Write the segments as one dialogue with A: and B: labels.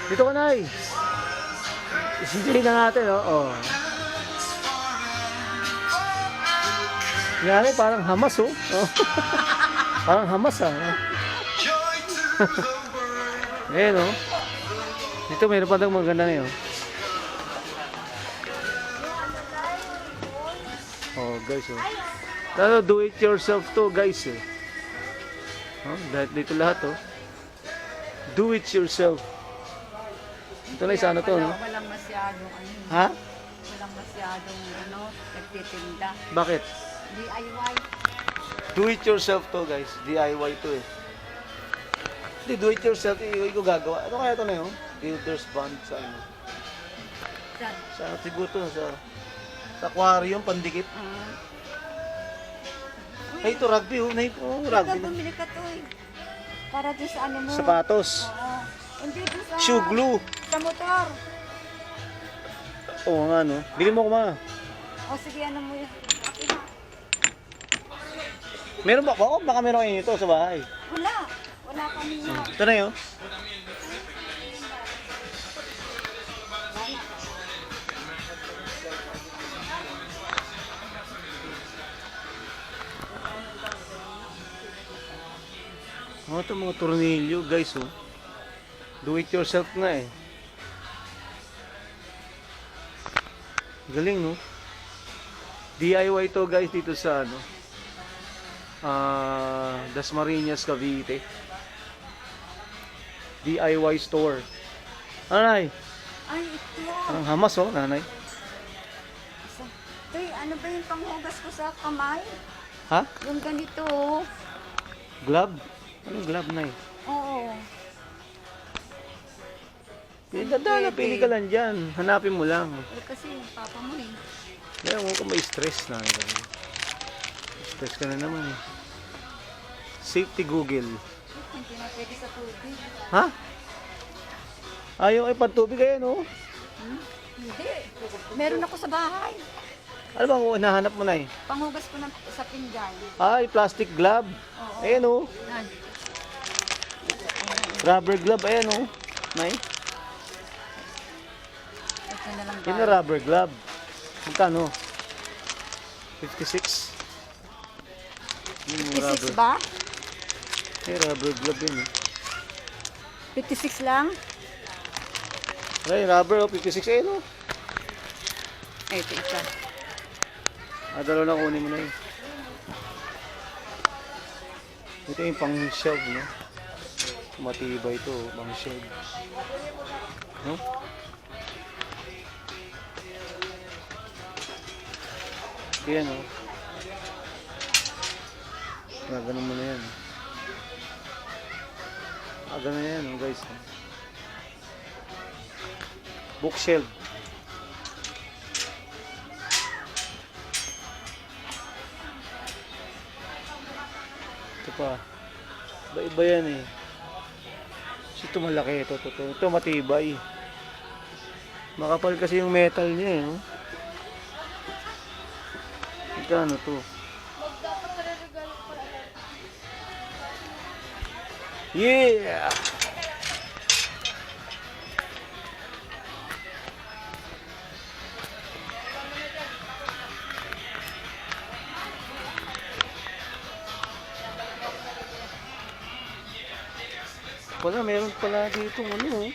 A: Dito ka, Nay. Isindihin na natin, oh. Yan, parang hamas, oh. Parang hamas, ah. Ayan, oh. Dito, mayroon pa daw maganda na yun. Oh, guys, oh. Do it yourself to, guys, eh. Oh, dito lahat, oh. Do it yourself. Ito na isa, ano to, no?
B: Walang masyadong,
A: Ha?
B: walang masyadong, nagtitinda.
A: Bakit?
B: DIY.
A: Do it yourself to, guys. DIY to, eh. Hindi, do it yourself, ko gagawa. Ano kaya ito na yun? Builder's bond sa ano?
B: Saan?
A: Sa siguro to, sa aquarium, pandikit. Ay, ito rugby, oh. Rugby na.
B: Bumili ka to, eh. Para doon sa ano mo.
A: Sapatos.
B: Oo. Hindi doon sa...
A: Shoe glue.
B: Sa motor.
A: Oo nga, no? Bili mo ko, ma.
B: O sige, ano mo yan?
A: Meron ba? Baka meron kayo ito sa bahay.
B: Wala. Wala kami yan.
A: Ito na yun. Ito mga tornilyo, guys, oh. Do it yourself na, eh. Galing, no? DIY to, guys, dito sa ano, Dasmariñas, Cavite. DIY store. Nanay,
B: Ay, ito.
A: parang hamas, oh, nanay.
B: Tay, ano ba yung panghugas ko sa kamay?
A: Ha?
B: Yung ganito, oh.
A: Glove? Anong glove, nay?
B: Oo.
A: Dadala, pili ka lang dyan. Hanapin mo lang.
B: Eh, kasi papa mo, eh.
A: Kaya mo ka may stress na. Stress ka na naman, eh. Safety Google.
B: Hindi na pwede sa tubig.
A: Ha? Ayaw ay pantubig kayo, no?
B: Hindi. Meron ako sa bahay.
A: Ano bang hinahanap mo, nay?
B: Panghugas ko sa pinggan.
A: Ay, plastic glove.
B: Oo.
A: Ayan, oh.
B: Yan.
A: Rubber glove, ayan, oh. Nay?
B: Ito na lang
A: Yun na rubber glove. Magkano? 56? Yun yung
B: 56 ba?
A: Eh, rubber glove yun, eh.
B: 56 lang?
A: Ay, rubber, oh. 56, ayan, oh.
B: Ito, isa.
A: Dalawa na kunin mo na yun. Ito yung pang shelf, no? Matibay ito, pang shelf. No? Yan, oh. Ganun mo na yan. Ganun na yan, oh, guys. Bookshelf. Ito pa. Iba yan, eh. Ito malaki. Ito matibay. Makapal kasi yung metal niya, eh. No? Ano to? Yeah! Wala, meron pala dito ano, oh.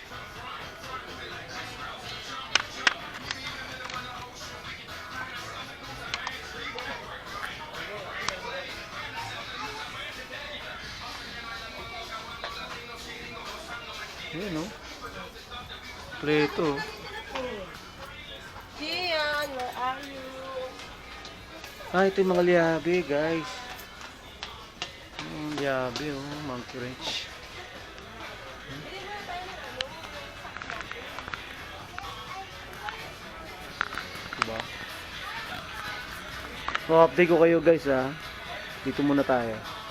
A: Ayan, no? Preto.
B: Gian, where are you?
A: Ito yung mga liabe, guys. Liabe, oh. Monkey wrench. Diba? So, update ko kayo, guys, ha. Dito muna tayo.